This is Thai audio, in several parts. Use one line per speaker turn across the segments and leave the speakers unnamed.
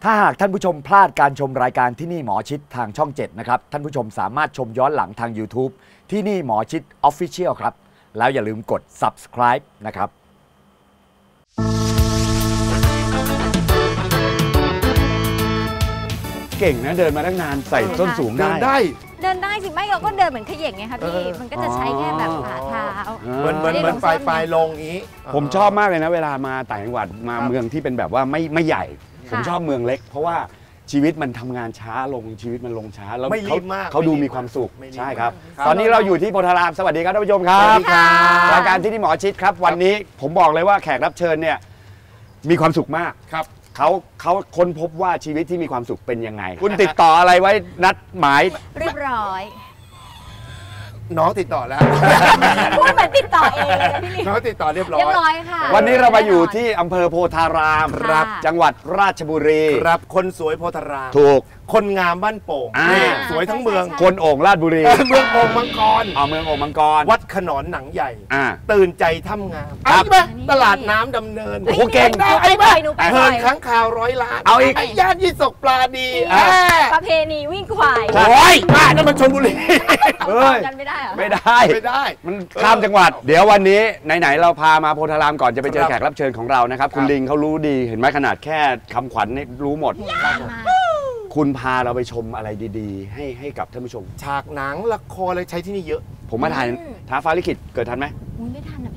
ถ้าหากท่านผู้ชมพลาดการชมรายการที่นี่หมอชิดทางช่อง 7 นะครับท่านผู้ชมสามารถชมย้อนหลังทาง YouTube ที่นี่หมอชิด Official ครับแล้วอย่าลืมกด Subscribe นะครับเก่งนะเดินมาตั้งนานใส่ส้นสูงได้
เดินได้สิไม่เราก็เดินเหมือนเขย่งไงคะพี่มันก็จะใช้แค่แบบฝ่าเท้า
เหมือนปลายลงอย่างนี้
ผมชอบมากเลยนะเวลามาต่างจังหวัดมาเมืองที่เป็นแบบว่าไม่ใหญ่ผมชอบเมืองเล็กเพราะว่าชีวิตมันทำงานช้าลงชีวิตมันลงช้าแล้วเขาดูมีความสุขใช่ครับตอนนี้เราอยู่ที่โพธารามสวัสดีครับท่านผู้ชมครับรายการที่นี่หมอชิดครับวันนี้ผมบอกเลยว่าแขกรับเชิญเนี่ยมีความสุขมาก
ครับ
เขาค้นพบว่าชีวิตที่มีความสุขเป็นยังไงคุณติดต่ออะไรไว้นัดหมาย
เรียบร้อย
น้องติดต่อแล้ว
พูดเหมือนติดต่อเองเลยนะพี่
น้องติดต่อเรียบร้อย
ค่ะ
วันนี้เรามาอยู่ที่อำเภอโพธารามครับจังหวัดราชบุรี
ครับคนสวยโพธาราม
ถูก
คนงามบ้านโป่งสวยทั้งเมือง
คนโอ่งราชบุรี
เมืองโอ่งมังกร
เมืองโอ่งมังกร
วัดขนอนหนังใหญ่ตื่นใจถ้ำงามไอ้ไหมตลาดน้ำดำเนิน
โอ้โหเก่ง
ไอ้ไหมเพลินค้างคาว100 ล้าน
เอาอีก
ย่านยี่สกปลาดี
ประเพณีวิ่งควาย
โอ้ยบ้านนั่นมันชลบุรี
กันไม่ได้เหรอ
ไม่ได้มันข้ามจังหวัดเดี๋ยววันนี้ไหนๆเราพามาโพธารามก่อนจะไปเจอแขกรับเชิญของเรานะครับคุณลิงเขารู้ดีเห็นไหมขนาดแค่คำขวัญนี่รู้หมดคุณพาเราไปชมอะไรดีๆให้กับท่านผู้ชม
ฉากหนังละครอะไรใช้ที่นี่เยอะ
ผมมาถ่ายท้าฟ้าลิขิตเกิดทันไหม
ไม่ทันนะ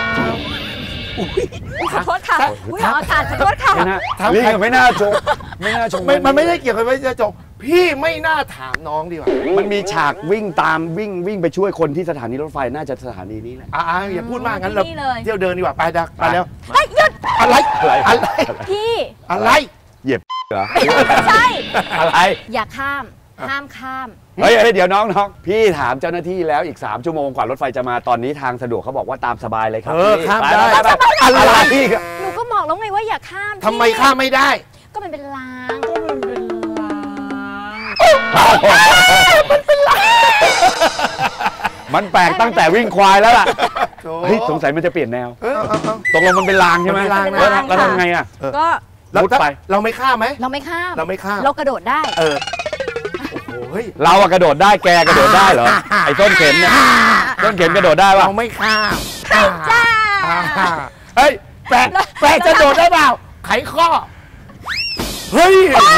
พี่ขอโทษค่ะออกอากาศขอโทษค่ะ
ลิงไม่น่าชม
มันไม่ได้เกี่ยวกับว่าจะจบพี่ไม่น่าถามน้องดีกว่า
มันมีฉากวิ่งตามวิ่งไปช่วยคนที่สถานีรถไฟน่าจะสถานีนี้แหละ
อย่าพูดมากงั้นเราเที่ยวเดินดีกว่าไปดักไปแล้ว
หยุด
อะไร
พี่
อะไร
เหยียบเหรอ
ใช่
อะไร
อย่าข้ามห้ามข้าม
เฮ้ยเดี๋ยวน้องพี่ถามเจ้าหน้าที่แล้วอีก3 ชั่วโมงกว่ารถไฟจะมาตอนนี้ทางสะดวกเขาบอกว่าตามสบายเลยครับ
ข้ามได้
อะไรพี่
หนูก็บอกแล้วไงว่าอย่าข้าม
ทำไมข้ามไม่ได้
ก็มันเป็นราง
มันแปลกตั้งแต่วิ่งควายแล้วล่ะเฮ้ยสงสัยมันจะเปลี่ยนแนวตกลงมันเป็นรางใช่ไหมแล้วทำไงอ่ะ
ก็
มุดไปเราไม่ข้ามไหม
เราไม่ข้ามเรากระโดดได้
เรากระโดดได้แกกระโดดได้เหรอไอ้ต้นเข็มเนี่ยต้นเข็มกระโดดได้ป่ะ
เราไม่ข้าม
จ้า
เฮ้ยแปะจะโดดได้เปล่าไขข้อเฮ้ย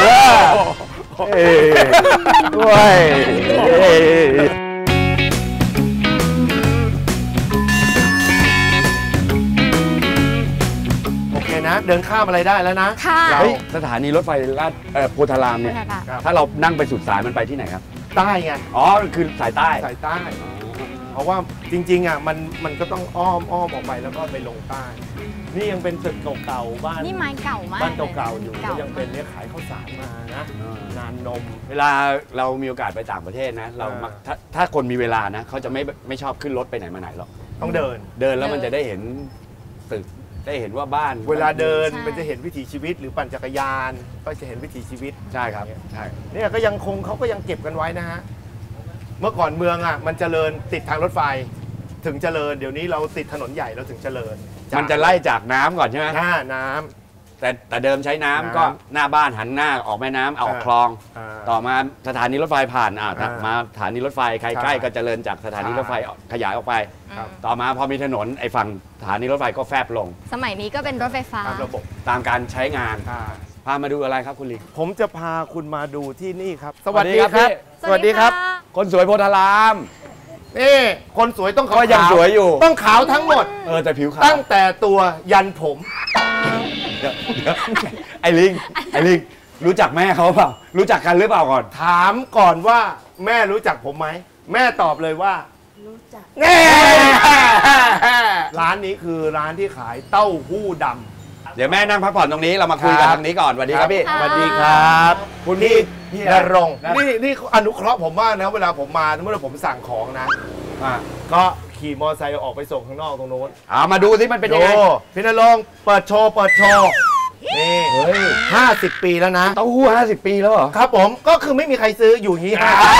นะเดินข้ามอะไรได้แล้วนะ
สถานีรถไฟโพธารามเนี่ยถ้าเรานั่งไปสุดสายมันไปที่ไหนครับ
ใต้ไง
คือสายใต้
เพราะว่าจริงๆมันก็ต้องอ้อมออกไปแล้วก็ไปลงใต้นี่ยังเป็นตึกเก่าๆบ้าน
นี่ไม้เก่ามาก
บ้านเก่าๆอยู่ก็ยังเป็นเนี่ยขายข้าวสารมานะนานนม
เวลาเรามีโอกาสไปต่างประเทศนะเราถ้าคนมีเวลานะเขาจะไม่ชอบขึ้นรถไปไหนมาไหนหรอก
ต้องเดิน
แล้วมันจะได้เห็นตึกได้เห็นว่าบ้าน
เวลาเดินมันจะเห็นวิถีชีวิตหรือปั่นจักรยานก็จะเห็นวิถีชีวิต
ใช่ครับใช่
เนี่ยก็ยังเขาก็ยังเก็บกันไว้นะฮะเมื่อก่อนเมืองมันเจริญติดทางรถไฟถึงเจริญเดี๋ยวนี้เราติดถนนใหญ่เราถึงเจริญ
มันจะไล่จากน้ำก่อนใช่ไหม
น้ำ
แต่เดิมใช้น้ำก็หน้าบ้านหันหน้าออกแม่น้ำออกคลองต่อมาสถานีรถไฟผ่านมาสถานีรถไฟใครใกล้ก็เจริญจากสถานีรถไฟขยายออกไปต่อมาพอมีถนนไอ้ฝั่งสถานีรถไฟก็แฟบลง
สมัยนี้ก็เป็นรถไฟฟ้า
ระบบ
ตามการใช้งานพามาดูอะไรครับคุณลิง
ผมจะพาคุณมาดูที่นี่ครับสวัสดีครับสวัสดีครับ
คนสวยโพธาราม
นี่คนสวยต้องขาว
ยังสวยอยู่
ต้องขาวทั้งหมด
แต่ผิวขาว
ตั้งแต่ตัวยันผม
ไอ้ลิงรู้จักแม่เขาเปล่ารู้จักกันหรือเปล่าก่อน
ถามก่อนว่าแม่รู้จักผมไหมแม่ตอบเลยว่า
รู้จัก
ร้านนี้คือร้านที่ขายเต้าหู้ดำ
เดี๋ยวแม่นั่งพักผ่อนตรงนี้เรามาคุยกันทางนี้ก่อนสวัสดีครับพี่
สวัสดีครับคุณพี่นรงค์นี่อนุเคราะห์ผมมากนะเวลาผมมาเมื่อผมสั่งของนะก็ขี่มอเตอร์ไซค์ออกไปส่งข้างนอกตรงโน้น
มาดูสิมันเป็นยังไง
พี่นรงค์เปิดโชว์นี่
เฮ้ย
50 ปีแล้วนะ
เต้าหู้50 ปีแล้วเหรอ
ครับผมก็คือไม่มีใครซื้ออยู่อย่างนี้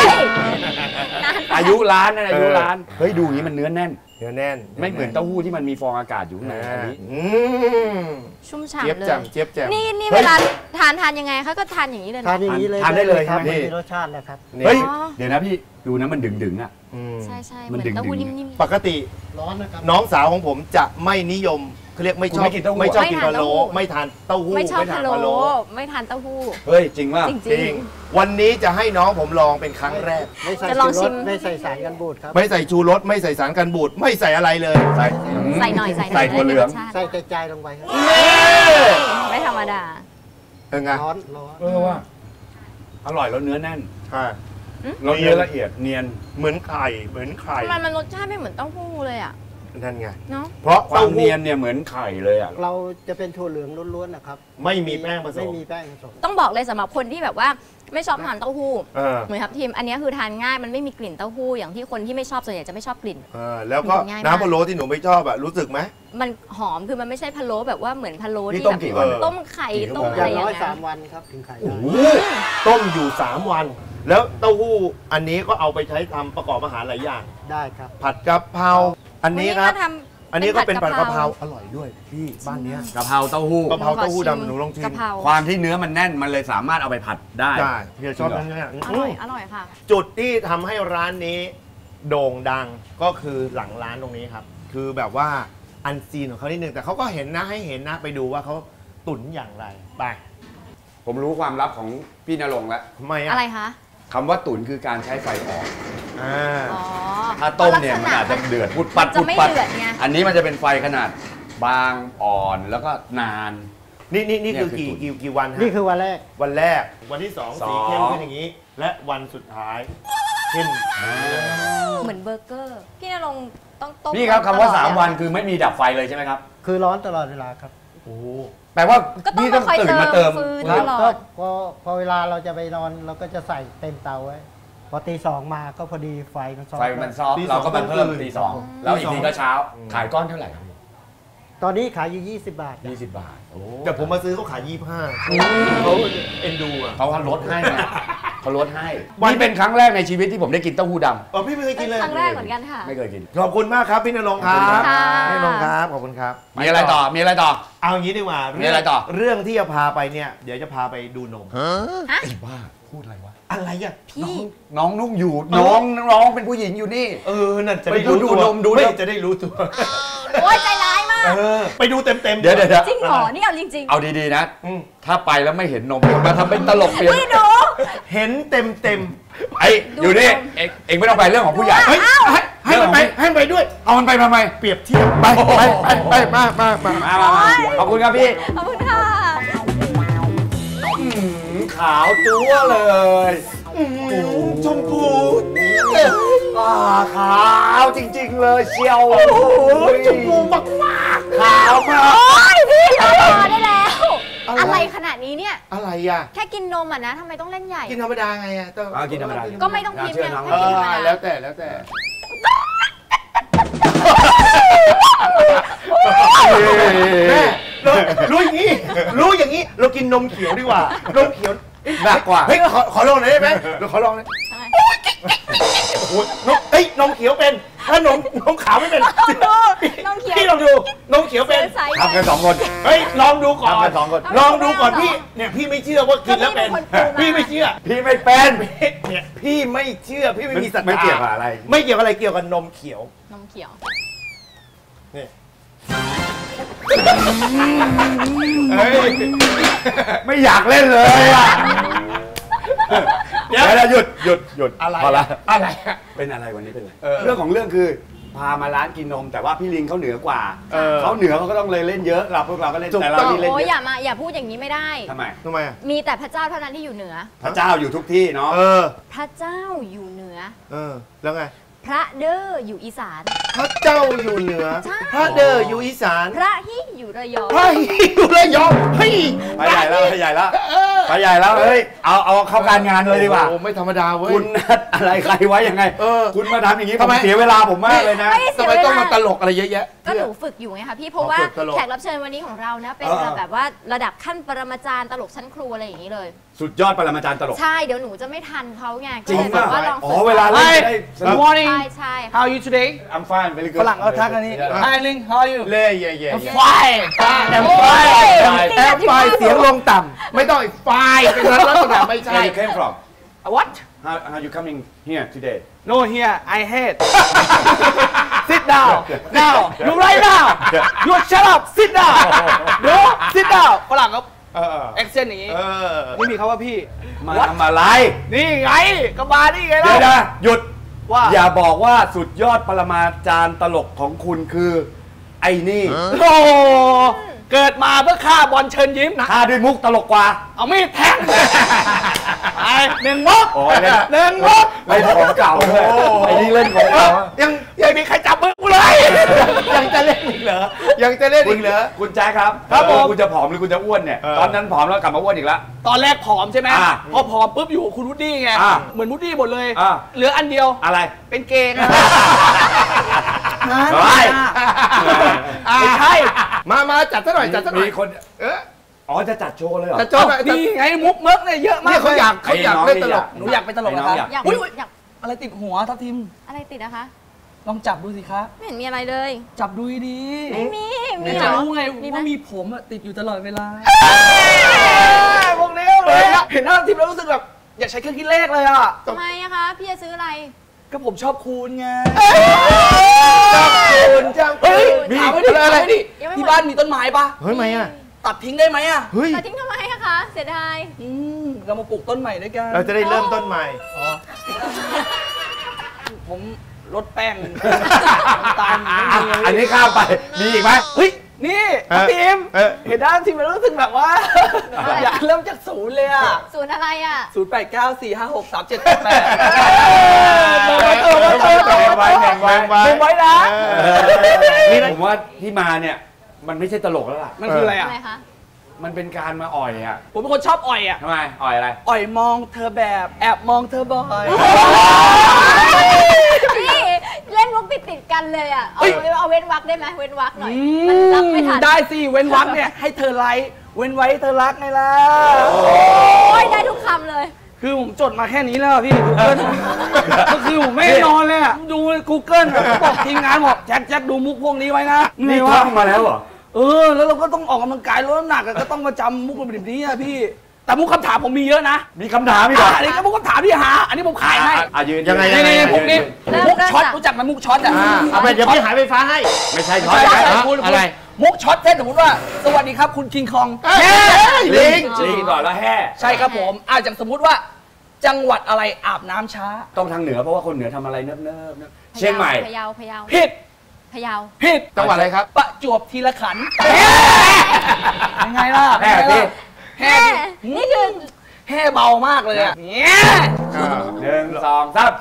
อายุร้านนั่นอายุร้านเฮ้ยดูอย่างนี้มันเนื้อแน่น
เนื้อแน่น
ไม่เหมือนเต้าหู้ที่มันมีฟองอากาศอยู่ข้างในอันนี้
ชุ่ม
เจี๊ยบ
ฉ่ำเลย
แจ่มเจี๊ยบแจ่ม
นี่เวลาทานยังไงคะก็ทานอย่างนี้เลย
ทาน
นะ
อย่างนี้เลย
ทานได้เลย
ครับ
ใช่ไหม
ไม่มีรสชาติแล้วครับ
นี่
เฮ้ยเดี๋ยวนะพี่ดูนะมันดึงๆอ่ะ
อืม
ใช่เห
มั
มื
น
อน
ดึงๆ
เต้าหู้นิ่ม
ปกติ
ร้อนนะครับ
น้องสาวของผมจะไม่นิยมเขาเรียกไม่ชอบ
คุณไม่กินเต้าหู้
ไม่ชอบ
ไม่
กิน
ทาน
พะโล้
เต้าหู้
ไม่ทานเต้าหู้
ๆไม่ชอบ
ทา
พะ
น
โล้ไม่ทานเต้าหู้
เฮ้ยจริงว่า
จริง
จริงวันนี้จะให้น้องผมลองเป็นครั้งแรก
ไม่ใส่
จะลอง
ชูร
ชิ
ส
ม
ไม่ใส่สารกันบูดครับ
ไม่ใส่ชูรสไม่ใส่สารกันบูดไม่ใส่อะไรเลย
ใส่
ใส่หน่อย
ใส่ถั่วเหลือง
ได้รสชาติ
ใส่แต่ใจลงไปครับ
ไม่ธรรมดา
เป็นไง
ร้อน
ว่าอร่อยแล้วเนื้อแน่น
อ่า
แล้วเนื้อละเอียดเนียน
เหมือนไข่เหมือนไข่
ทำไมมันรสชาติไม่เหมือนเต้าหู้เลยอ่ะ
นั่นไง
เนาะ
เพราะ
ควา
เต้าม หู้
เนียนเนี่ยเหมือนไข่เลยอ่ะ
เราจะเป็นถั่วเหลืองล้วนๆนะครับ
ไม่มีแป้งผส
ไม่
ม
มีแป้งผสม
ต้องบอกเลยสำหรับคนที่แบบว่าไม่ชอบทานเต้าหู้
เออ
เหมือนครับทีมอันนี้คือทานง่ายมันไม่มีกลิ่นเต้าหู้อย่างที่คนที่ไม่ชอบส่วนใหญ่จะไม่ชอบกลิ่น
แล้วก็
ง่ายมาก
น้ำพะโล้ที่หนูไม่ชอบอะรู้สึกไหม
มันหอมคือมันไม่ใช่พะโล้แบบว่าเหมือนพะโล้
นี่
ที่
ต้ม
แบบ
กี่วัน
ต้มไข่
กี่ชั่วโม
ต้
ง
ม
อ
อะไร
ย่าง
อย่าง
น้อย
เงี้ย
3 วันครับถึงขาย
โอ้
ได้
โหต้มอยู่ 3 วัน แล้วเต้าหู้อันนี้ก็เอาไปใช้ทำประกอบอาหารหลายอย่าง
ได้ครับ
ผัดกะเพราอันนี้ครับ
วั
อันนี้ก็เป็นผัดกะเพรา
า
อร่อยด้วยพี่บ้านเนี้ย
กะเพราเต้าหู้
กะเพราเต้าหู้
ขอชิม
ดำหนูลองชิม
กะเพรา
ความที่เนื้อมันแน่นมันเลยสามารถเอาไปผัดได้
ได้พี่ชอบนั่นเนี่ย
อร่อยค่ะ
จุดที่ทำให้ร้านนี้โด่งดังก็คือหลังร้านตรงนี้ครับ คือแบบว่าอันซีนของเขานิดนึงแต่เขาก็เห็นนะให้เห็นนะไปดูว่าเขาตุ๋นอย่างไรไป
ผมรู้ความลับของพี่ณรงค์แล้ว
ทำไม
อะไรคะ
คำว่าตุ๋นคือการใช้ไฟอ่อน
อ่า
อ๋อ
ถ้าต้มเนี่ยมันอาจจะเดือดพุดปัด
จะ
พุด
ไม่
ปัด
เดือดไง
อันนี้มันจะเป็นไฟขนาดบางอ่อนแล้วก็นาน
นี่คือ
เนี่ยคือตุ๋น
กี่วันฮะ
นี่คือวันแรก
วันแรกวันที่สอง
สอง
สีเข้มขึ้นอย่างนี้ และวันสุดท้ายเข้ม
เหมือนเบอร์เกอร์ พี่ณรงค์ต้องต้ม
นี่ครับคำว่า
ตลอด
3 วันคือไม่มีดับไฟเลยใช่ไหมครับ
คือร้อนตลอดเวลาครับ
โอ้
แปลว่า
ก็ต้อง
พี่ต้อง
มาคอย
ตื่นมาเติม
เติมฟืน
ครับ
ตลอด
ก็พอเวลาเราจะไปนอนเราก็จะใส่เต็มเตาไว้ พอตี 2มาก็พอดีไฟมันซ้อม
ไฟมันซอฟต์เราก็มาเพิ่มตี 2แล้วอีกทีก็เช้า ขายก้อนเท่าไหร่ครับ
ตอนนี้ขายอยู่20 บาทครับ
20 บาทโอ้
แต่ผมมาซื้อเขาขาย 25เขาเอ็นดูอ่ะ
เขาลดให้ไงเขาลดให้นี่เป็นครั้งแรกในชีวิตที่ผมได้กินเต้าหู้ด
พี่ไม่เคยกินเลย
ครั้งแรกเหมือนกันค่ะ
ำไม่เคยกิน
ขอบคุณมากครับพี่ณรงค์ครับ
ขอบคุณค่ะ
พี่ณรงค์ครับขอบคุณครับ
มีอะไรต่อมีอะไรต่อ
เอาอย่างนี้ดีกว่า
มีอะไรต่อ
เรื่องที่จะพาไปเนี่ยเดี๋ยวจะพาไปดูนม
ไอ้บ้าพูดอะไรวะ
อะไรอ่ะ
พี่
น้องนุ่งอยู่น้องเป็นผู้หญิงอยู่นี่
นั่นจะได้
ไปดู
รู้ตัวน
มดู
ไม่
นม
จะได้รู้ตัว
โอ๊ยใจร้ายมาก
ไปดูเต็มๆ
เดี๋ยว
จริงเหรอ นี่เอาจริง
เอาดีๆนะ
อืม
ถ้าไปแล้วไม่เห็นนมมาทำเป็นตลกเปลี่ยน
พี่หนู
เห็นเต็ม
ไอ้อยู่นี่เอ็งไม่ต้องไปเรื่องของผู้ใหญ่
ๆเฮ้ยให้มันไปให้มันไปด้วย
เอามันไปทำไม
เปรียบเทียบไปมา
ขอบคุณครับพี่
ขอบคุณค่ะ
ขาวจั๊วเลย
ชมพู
ขาวจริงๆเลยเชียว
ชมพูมาก
ขาวมาก
โอ๊ยพี่พอได้แล้ว อะไรขนาดนี้เนี่ย
อะไรอ่ะ
แค่กินนมอ่ะนะทำไมต้องเล่นใหญ่
กินธรรมดาไงอ่ะ
กินธรรมดา
ก็ไม่ต้องพิมพ์เนี่ย
เชื่อน้อง
ให้กินธรรมดา
แล้วแต่แม่รู้อย่างนี้เรากินนมเขียวดีกว่านมเขียว
หนักกว่า
เฮ้ยขอลองหน่อยได้ไหมเราขอลองหน่อยโอ้ยนมเขียวเป็นถ้านมขาวไม่เป็น
นมเขียว
พี่ลองดูนมเขียวเป็น
ใส่
ทำกัน2 คน
เฮ้ยลองดูก่อน
ทำกัน2 คน
ลองดูก่อนพี่เนี่ยพี่ไม่เชื่อว่ากินแล้วเป็นพี่ไม่เชื่อ
พี่ไม่เป็น
เนี่ยพี่ไม่เชื่อพี่ไม่มีศรัทธา
ไม่เกี่ยวกับอะไร
ไม่เกี่ยวกับอะไรเกี่ยวกับนมเขียว
นมเขียว
นี่เฮ้ย
ไม่อยากเล่นเลยอ่ะ
เดี๋ยว
แล้วหยุด
อะไร
พอละ
อะไร
เป็นอะไรวันนี้เป็นอะไร
เออ
เรื่องของเรื่องคือพามาร้านกินนมแต่ว่าพี่ลิงเขาเหนือกว่า
เออ
เขาเหนือเขาก็ต้องเลยเล่นเยอะพวกเราก็เล่น
ถูก
แต่เรา
ต้อง
นี่เล่น
โอ้ย
เย
อย่า
อะ
มาอย่าพูดอย่างนี้ไม่ได้
ทำไม
ทำไมอ่ะ
มีแต่พระเจ้าเท่านั้นที่อยู่เหนือ
พระเจ้าอยู่ทุกที่เนาะ
พระเจ้าอยู่เหนือ
แล้วไง
พระเด้ออยู่อีสาน
พระเจ้าอยู่เหนือ
ใช่
พระเดออยู่อีสาน
พระฮิอยู่ระยอง
พระอยู่ระยองเฮ้ย
ไปใหญ่แล้วไปใหญ่แล้วไปไปใหญ่แล้วเฮ้ยเอาเข้าการงานเลยดีกว่า
โอ้ไม่ธรรมดาเว้ย
คุณนัดอะไรใครไว้ยังไง คุณมาทำอย่างนี้
ทำไม
ผมเสียเวลาผมมากเลยนะ
ไม่ได้
ทำ
เสีย
ไม
เว
ต้อง
ลา
มาตลกอะไรเยอะแยะ
ก็หนูฝึกอยู่ไงคะพี่เพราะว่า
ฝึกตลก
แขกรับเชิญวันนี้ของเรานะเป็นแบบว่าระดับขั้นปรมาจารย์ตลกชั้นครูอะไรอย่างนี้เลย
สุดยอดปรมาจารย์ตลก
ใช่เดี๋ยวหนูจะไม่ทันเขาไง
จริง
ก็เลยแบบ
ป่ะ
ว่าลอง
อ๋
ฝึ
อก เวลาเล่นจะได้สนุ
Good
ก
morning
ใช่
How are you today
I'm fine very good
ฝรั่งเขาทักอันนี้ Hi Ling How are you
เล่เย่เย่
Fine
แอมไฟแอมไฟเสียงลงต่ำไม่ต้องอีกไฟเป็นลักษณะไม่ใช่
Where you came from
What
how you coming here today
No here I hate Sit down now You right now You shut up Sit down No Sit down ฝรั่งเขา accent อย่างนี้ไม่มีคำว่าพี่
มาทำอะไร
นี่ไงก็มานี่ไง
เดี๋ยว
เรา
นะหยุด
ว่า
อย่าบอกว่าสุดยอดปรมาจารย์ตลกของคุณคือ ไอ้นี่
โอ้เกิดมาเพื่อฆ่าบอลเชิญยิ้มนะ
ฆ่าด้วยมุกตลกกว่า
เอามีดแทงไอ้หนึ่งมุก
โอ้ยเล่น
หนึ่งมุก
เล่นของเก่าเลยไอ้นี่เล่นของเก่า
ยังมีใครจับมือกูเลย
ยังจะเล่นอีกเหรอยังจะเล่น
คุ
อี
ณ
กเหรอ
คุณแจ๊คครับ
ครับผม
คุณจะผอมหรือคุณจะอ้วนเนี่ย ตอนนั้นผอมแล้วกลับมาอ้วนอีกแล้ว
ตอนแรกผอมใช่ไหม
อ่า
พอผอมปุ๊บอยู่กับคุณวูดดี้ไง
อ่า
เหมือนวูดดี้หมดเลย
อ่า
เหลืออันเดียว
อะไร
เป็นเกย์ไง
เฮ้ย
ไม่ใช่
มาจัดซะหน่อยจัดซะหน่อย
มีคน อ๋อจะจัดโชว์เลยเหรอ
จัดโจ้หน่อย
นี่ไงมุกเมิกเนี่ยเยอะมาก
เนี่ยเขาอยาก
ไอ้น้อง
เล่นตลก
หนูอยากเป็นตลกนะ
ไอ้น้อง
คะ
อยาก
อุ๊ย
อยาก
อะไรติดหัวทัพทิม
อะไรติดนะคะ
ลองจับดูสิคะ
ไม่เห็นมีอะไรเลย
จับดูดี
ไม่มีมี
ๆ
เหร
จะ
อ
รู้ไง
มีไหม
ว่ามีผมอะติดอยู่ตลอดเวลาพวกนี้เลยอะเห็นหน้าทิมแล้วรู้สึกแบบอยากใช้เครื่องคิดเลขเลยอะ
ทำไมอะคะพี่จะซื้ออะไร
ก็ผมชอบคูณไง
คุณจ้า
เฮ้ย
มี
ถามไม่ดิ
อะไร
ถามไม่ดิ
ยังไม่หมด
ที่บ้านมีต้นไม้ปะ
เฮ้ยทำไมอ่ะ
ตัดทิ้งได้ไหมอะ
เฮ้ย
แต่ทิ้งทำไมอะคะเสียดาย
เรามาปลูกต้นใหม่ด้วยกัน
เราจะได้เริ่มต้นใหม่
ผมลดแป้งน้ำตาลไม่มีเลย
อันนี้ข้ามไป มีอีกไหม
เฮ้ย นี่
เออ
ทีม
เออ
เห็นด้านทีมมันรู้สึกแบบว่า อยากเริ่มจากศูนย์เลยอะ
ศูนย์อะไรอะ
0894563788
ไว้แบ่งไว้
เก็บไว้นะ
ผมว่าที่มาเนี่ย มันไม่ใช่ตลกแล้วล่ะ
มันคืออะไรอะ
ทำไมคะ
มันเป็นการมาอ่อยอ่ะ
ผมเป็นคนชอบอ่อยอะ
ทำไม อ่อยอะไร
อ่อยมองเธอแบบแอบมองเธอบ่อย
พี่เล่นมุกติดกันเลยอะเอาเว้นวรรคได้ไหมเว้นวรรคหน่อย
อื
มันรับไม่ทัน
ได้สิ เว้นวรรคเนี่ย ให้เธอไลค์เว้นไว้ให้เธอรักไงล่ะ
โอ้ยได้ทุกคำเลย
คือผมจดมาแค่นี้แล้วอะพี่ Google ก็คือผมไม่ได้นอนเลยอะดู Google อะเขาบอกทีมงานบอกแจ็คดูมุกพวกนี้ไว้นะ
นี่
ไงวะ
ท่องมาแล้วเหรอ
แล้วเราก็ต้องออกกำลังกายลดน้ำหนักอะก็ต้องมาจำมุกแบบนี้อะพี่ แต่มุกคำถามผมมีเยอะนะ
มีคำถามอีกเหรอ
อันนี้ก็มุกคำถามพี่หา อันนี้ผมขายให้
ยืน
ยังไง
นี่มุกนี้
เริ่ม
มุกช็อต
เริ่ม
รู้จักไหมมุกช็อตอะ
เอาไปเดี๋ยวพี่หายไฟฟ้าให้
ไม่ใช่ช็อ
ใช่
ต
ใช่
นะ
คุณ
อะไร
มุกช็อตเช่นสมมติว่า สวัสดีครับคุณคิงคอง
ลิงลิงก่อนแล้วแห่
ใช่ครับผมอย่างสมมุติว่า จังหวัดอะไรอาบน้ำช้า
ต้องทางเหนือเพราะว่าคนเหนือทำอะไรเนิบๆเชียงใหม่
พะเยาพะเยา
ผิด
พะเยา
ผิด
จังหวัดอะไรครับ
ประจวบทีละขันธ์ยังไงล่ะ
แห่สิ
แห่
นี่คือ
แห่เบามากเลยอะเนี่ย
1 2 3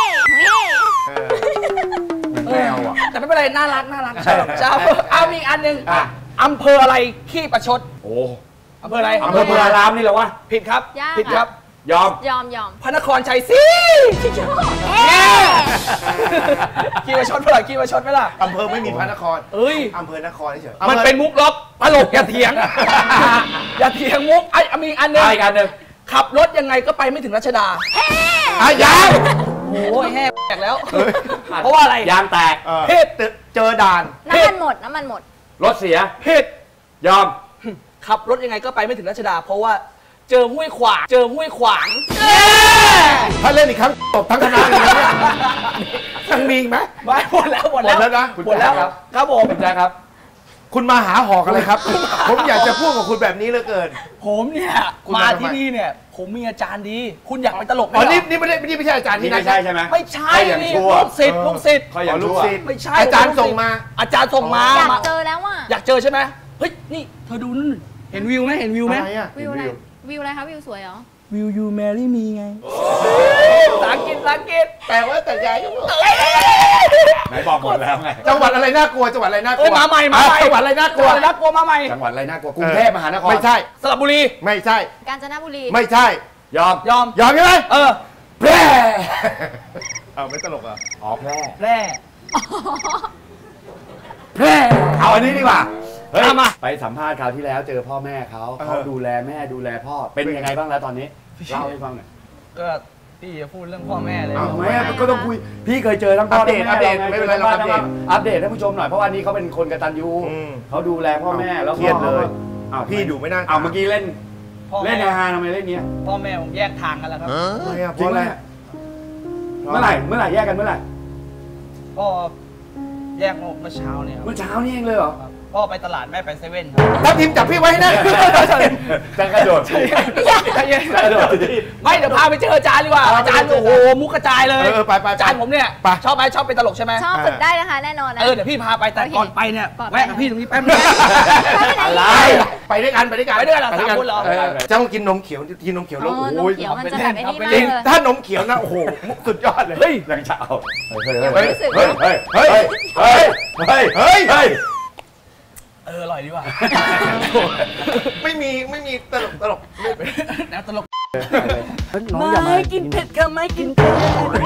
เหมือนแมวอ่ะ
แต่ไม่เป็นไรน่ารักจะเอามีอีกอันหนึ่ง
อ่ะ
อำเภออะไรขี้ประชด
โอ้
อำเภออะไร
อำเภอพารามนี่เหรอวะ
ผิดครับ
ยาก
ผิดครับ
ยอม
ยอม
พระนครชัยศรี
เอ๊ะ
ขี้ประชดเปล่าขี้ประชดไหมล่ะ
อำเภอไม่มีพระนคร
เอ้ย
อำเภอนครเฉย
มันเป็นมุกล็อกตลกอย่าเถียง อย่าเถียงมุกมีอีกอันหนึ่ง
อีกอันหนึ่ง
ขับรถยังไงก็ไปไม่ถึงรัชดา
ยัง
โอ้ยแห่แตกแล้ว เพราะว่าอะไร
ยางแตก
เพศ
เจอด่าน
น้ำมันหมด
รถเสีย
เพศ
ยอม
ขับรถยังไงก็ไปไม่ถึงรัชดา เพราะว่าเจอห้วยขวาง
ถ้าเล่นอีกครั้งตบทั้งคณะเลยนะเนี่ยยังมีอีกไหม
ไม่หมดแล้ว
หมดแล้วนะ
หมดแล้ว
ครับ
ครับผม
คุณแจ๊คครับ
คุณมาหาหอกอะไรครับ ผมอยากจะพูดกับคุณแบบนี้เหลือเกิน
ผมเนี่ย
คุณ
มา
มาทำไม
ที่นี่เนี่ย ผมมีอาจารย์ดี คุณอยากเป็นตลกไหม
อ๋อ
เหรอ
นี่ไม่ใช่อาจารย์
นี่
ที่
ไม่ใช่ใช่ไหม
ไม่ใช่
ใช่อย่าง
นี่
ชั่ว
ลูกศิษย์
เขาอย่าง
ลูก
ชั่ว
ศิษย์
ไม่ใช่
อาจารย์ส่งมา
อาจารย์ส่งมา
อยาก
มา
เจอแล้วอ่ะ
อยากเจอใช่ไหมเฮ้ยนี่เธอดูนู่นเห็นวิวไหม
อะไรอ่ะ
วิวอะไรวิวอะไรคะวิวสวยเหรอ
Will you marry me ไงภาษาอังกฤษภาษาอังกฤษ
แต่ว่าแต่ยายก็บอก
ไหนบอกหมดแล้วไง
จังหวัดอะไรน่ากลัวจังหวัดอะไรน่ากลั
เอ้ยว มาใหม่
จังหวัดอะไรน่ากลัว
น่ากลัวมาใหม่
จังหวัดอะไรน่ากลัวกรุงเทพมหานคร
ไม่ใช่
สระบุรี
ไม่ใช่
กาญจนบุรี
ไม่ใช่
ยอม
ยอม
ยอมใช่ไหม
แพร่
เอาไม่ตลกอ่ะ
อ๋อแพร่
แพร่
แพร่เอาอันนี้ดีกว่าเฮ้ย
เอามา
ไปสัมภาษณ์คราวที่แล้วเจอพ่อแม่เขาดูแลแม่ดูแลพ่อเป็นยังไงบ้างแล้วตอนนี้เล่าให้ฟังหน่อย
ก็พี่จะพูดเรื่องพ่อแม่เลย
ทำไมอะก็ต้องคุยพี่เคยเจอทั้งพ่อทั้งแม่
อัปเดต
ราไง
ไม่เป็นไรเราอัปเดต
อัปเดตให้ผู้ชมหน่อยเพราะว่านี่เขาเป็นคนกตัญญู
อืม
เขาดูแลพ่อแม่แล้ว
เครียดเลย
อ้าว
พี่ดูไม่น่า
อ้าวเมื่อกี้เล่น
พ่อ
เล่
แม่
นฮาทำไมเล่นเงี้ย
พ่อแม่ผมแยกทางกันแล้วครับ
ทำไมอ่ะเพ
จริง
ราะ
ไห
อะ
ม
ไร
เมื่อไหร่แยกกันเมื่อไหร่
พ่อแยกเมื่อเช้าเนี่ยครับ
เมื่อเช้านี่เองเลยเหรอ
พ่อไปตลาดแม่ไปเซเว่นครับ
ทัพทีมจับพี่ไว้ให้แนะ
จะกระโดดสิจะกระโดดสิ
ไม่เดี๋ยวพาไปเจออาจารย์ดีกว่าอาจารย์โอ้โหมุกกระจายเลย
ไป
อาจารย์ผมเนี่ย
ไป
ชอบไหมชอบเป็นตลกใช่ไหม
ชอบฝึกได้นะคะแน่นอนนะ
เดี๋ยวพี่พาไปแต่ก่อนไปเนี่ย
ก่อนไป
แวะกับพี่ตรงนี้แป๊บนึง
อะไรไปด้วยกันไปด้วยกัน
ไปด้วยกันเหรอสามคนเหรอ
เจ้ากินนมเขียวกินนมเขียวแล้ว
อ๋อนม
โอ้ย
เขียวมันจะแบบไอ้นี่มาก
จริง
เลย
ถ้านมเขียวนะโอ้โหสุดยอดเลย
เฮ้ยยังจะเอาเฮ้ย
ยังไม่รู้สึก
เฮ้ยเฮ้ยเฮ้ยเฮ้ยเฮ้ยเฮ้ยเฮ้ย
อร่อยดีว่ะ
ไม่มีตลก
แนวตลก
น้องอย่ามา
ไม่กินเผ็ดค่ะไม่กินเผ็ด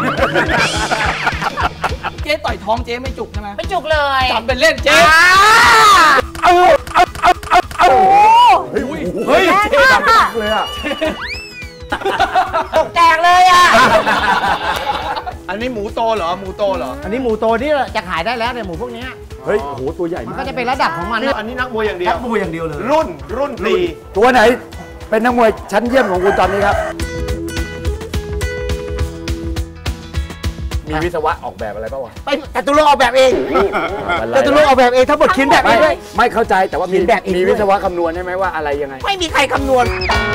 เจ๊ต่อยท้องเจ๊ไม่จุกใช่ไหม
ไม่จุกเลย
จำเป็นเล่นเจ๊
เฮ้ย
แรงมากค่ะ
เลยอ่ะ
ตกแตกเลยอ่ะ
อันนี้หมูโตเหรอหมูโตเหรอ
อันนี้หมูโตที่จะขายได้แล้วเนี่ยหมูพวกเนี้ย
เฮ้ยโอ้โหตัวใหญ่
มัน
มาก
ก็จะเป็นระดับของมันนะ
อันนี้นักมวยอย่างเดียว
นักมวยอย่างเดียวเลย
รุ่นตี
ตัวไหนเป็นนักมวยชั้นเยี่ยมของคุณตอนนี้ครับ มีวิศวะออกแบบอะไรป่าวะ
เป็นจตุรงค์ออกแบบเองจตุรงค์ออกแบบเองทั้งหมดเขียนแบบเองด้วย
ไม่เข้าใจแต่ว่ามี
เขียนแบบเองด้วย
มีวิศวะคำนวณใช่ไหมว่าอะไรยังไง
ไม่มีใครคำนวณ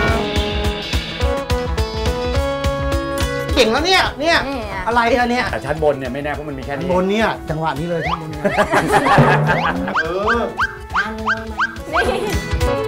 เก่งแล้วเนี่ย
นี่อะ
อะไรอันเนี้ย
แต่ชั้นบนเนี่ยไม่แน่เพราะมันมีแค่นี้
บนเนี่ยจังหวะนี้เลยข้างบนเนี่ย
เออ
นี่